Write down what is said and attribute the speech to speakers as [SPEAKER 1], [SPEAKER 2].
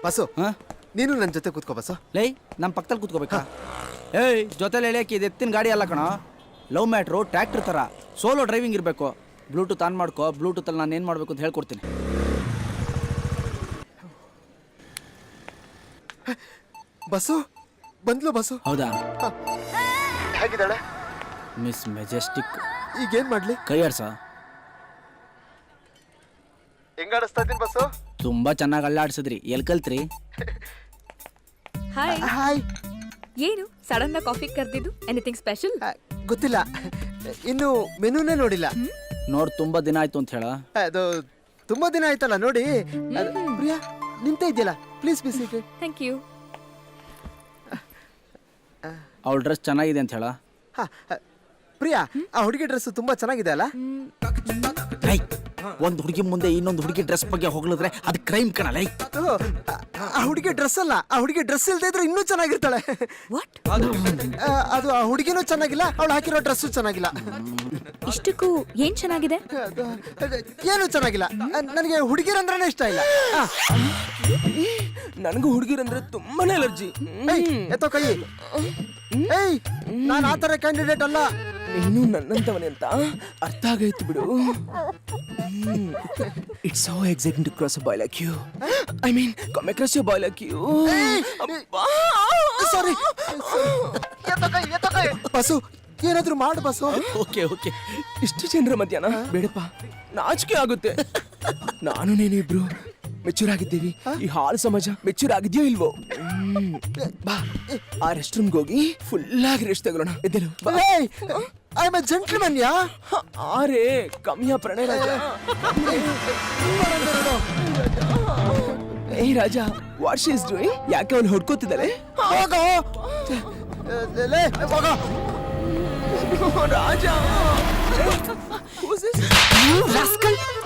[SPEAKER 1] Bus
[SPEAKER 2] ಹಾ
[SPEAKER 1] ನೀನು ನನ್ನ ಜೊತೆ ಕೂತ್ಕೋ ಬಸ್ಸು.
[SPEAKER 2] ಲೈ ನಮ್ಮ ಪಕ್ಕದಲ್ಲಿ ಕೂತ್ಕೋಬೇಕಾ? ಏಯ್ ಜೊತೆಲಿ ಎಳೆಯಕ್ಕೆ ಇದು ಎತ್ತಿನ ಗಾಡಿ ಅಲ್ಲ ಕಣ, ಲವ್ ಮ್ಯಾಟ್ರು ಟ್ರ್ಯಾಕ್ಟರ್ ಥರ ಸೋಲೋ ಡ್ರೈವಿಂಗ್ ಇರಬೇಕು. ಬ್ಲೂಟೂತ್ ಆನ್ ಮಾಡ್ಕೋ, ಬ್ಲೂಟೂತಲ್ಲಿ ನಾನು ಏನು ಮಾಡಬೇಕು ಅಂತ ಹೇಳ್ಕೊಡ್ತೀನಿ.
[SPEAKER 1] ಬಸ್ಸು ಬಂದ್ಲು ಬಸ್ಸು.
[SPEAKER 2] ಹೌದಾ?
[SPEAKER 1] ಹೇಗಿದ್ದಾಳೆ
[SPEAKER 2] ಮಿಸ್ ಮೆಜೆಸ್ಟಿಕ್.
[SPEAKER 1] ಈಗೇನ್ ಮಾಡ್ಲಿ?
[SPEAKER 2] ಕೈ ಆಡ್ಸ.
[SPEAKER 1] ಹೆಂಗ್ ಆಡಿಸ್ತಾ ಇದ್ದೀನಿ ಬಸ್ಸು?
[SPEAKER 2] ತುಂಬಾ ಚೆನ್ನಾಗಿ ಅಲ್ಲಾಡ್ಸಿದ್ರಿ. ಎಲ್ಲಿ ಕಲ್ತ್ರಿ?
[SPEAKER 3] Hi
[SPEAKER 1] hi.
[SPEAKER 3] ಏನು ಸಡನ್ ಆಗಿ ಕಾಫಿ ಕರೆದಿದ್ದು? Anything special?
[SPEAKER 1] ಗೊತ್ತಿಲ್ಲ, ಇನ್ನು ಮೆನುನೇ ನೋಡಿಲ್ಲ.
[SPEAKER 2] ನೋಡ್ ತುಂಬಾ ದಿನ ಆಯ್ತು ಅಂತ ಹೇಳ.
[SPEAKER 1] ಅದು ತುಂಬಾ ದಿನ ಆಯ್ತಲ್ಲ ನೋಡಿ. ಪ್ರಿಯಾ ನಿಂತ ಇದೆಯಲ್ಲ, please be seated.
[SPEAKER 3] Thank you.
[SPEAKER 2] ಅವಳ ಡ್ರೆಸ್ ಚೆನ್ನಾಗಿದೆ ಅಂತ ಹೇಳ.
[SPEAKER 1] ಪ್ರಿಯಾ, ಆ ಹುಡುಗಿ ಡ್ರೆಸ್ ತುಂಬಾ ಚೆನ್ನಾಗಿದೆ ಅಲ್ಲ?
[SPEAKER 2] ಒಂದು ಹುಡುಗಿ ಮುಂದೆ ಇನ್ನೊಂದು ಹುಡುಗಿ ಡ್ರೆಸ್ ಬಗ್ಗೆ ಹೊಗಳಿದ್ರೆ ಅದು ಕ್ರೈಮ್ ಕಣಲ್ಲ.
[SPEAKER 1] ಆ ಹುಡುಗಿ ಡ್ರೆಸ್ ಅಲ್ಲ, ಆ ಹುಡುಗಿ ಡ್ರೆಸ್ ಇಲ್ದೇ ಇದ್ರೆ ಇನ್ನೂ ಚೆನ್ನಾಗಿರ್ತಾಳೆ.
[SPEAKER 3] ವಾಟ್?
[SPEAKER 1] ಅದು ಆ ಹುಡುಗಿನೂ ಚೆನ್ನಾಗಿಲ್ಲ, ಅವಳು ಹಾಕಿರೋ ಡ್ರೆಸ್ಸು ಚೆನ್ನಾಗಿಲ್ಲ.
[SPEAKER 3] ಇಷ್ಟಕ್ಕೂ ಏನ್ ಚೆನ್ನಾಗಿದೆ?
[SPEAKER 1] ಏನು ಚೆನ್ನಾಗಿಲ್ಲ. ನನಗೆ ಹುಡುಗಿರಂದ್ರೆ ಇಷ್ಟ ಇಲ್ಲ.
[SPEAKER 4] ನನಗೂ ಹುಡುಗಿರಂದ್ರೆ ತುಂಬಾನೇ ಅಲರ್ಜಿ.
[SPEAKER 1] ಎತ್ತೋ ಕೈ. ಏಯ್, ನಾನು ಆ ತರ ಕ್ಯಾಂಡಿಡೇಟ್ ಅಲ್ಲ.
[SPEAKER 4] ನೀನು ನನ್ನಂತವನೇ ಅಂತ ಅರ್ಥ ಆಗೈತು ಬಿಡು. It's so exciting to cross a boy like you. I mean come across a boy like you.
[SPEAKER 1] Sorry. ಬಸ್ಸು, ಏನಾದ್ರೂ ಮಾಡು ಬಸ್ಸು.
[SPEAKER 2] Okay okay.
[SPEAKER 4] ಇಷ್ಟು ಜನರ ಮಧ್ಯಾಹ್ನ ಬೇಡಪ್ಪ, ನಾಚಿಕೆ ಆಗುತ್ತೆ. ನಾನು ನೀನಿಬ್ರು ಮೆಚೂರ್ ಆಗಿದ್ದೀವಿ. ಈ ಹಾಳು ಸಮಾಜ ಮೆಚೂರ್ ಆಗಿದ್ಯೋ ಇಲ್ವೋ? ಬಾ, ಆ ರೆಸ್ಟ್ ರೂಮ್ಗೆ ಹೋಗಿ ಫುಲ್ ಆಗಿ ರೆಸ್ಟ್ ತಗೊಳ್ಳೋಣ. ಎದ್ದೇಳು.
[SPEAKER 1] I am a gentleman yeah.
[SPEAKER 4] ಆರೇ ಕಮ್ಮಿಯ ಪ್ರಣಯ ರಾಜ. ಏ ರಾಜ, ವಾಟ್ ಶಿ ಇಸ್ ಡೂಯಿಂಗ್? ಯಾಕೆ ಅವನು ಹೊಡ್ಕೋತಿದ್ದಾಳೆ?
[SPEAKER 1] ಹೋಗೋ
[SPEAKER 4] ರಾಜ. Who's this?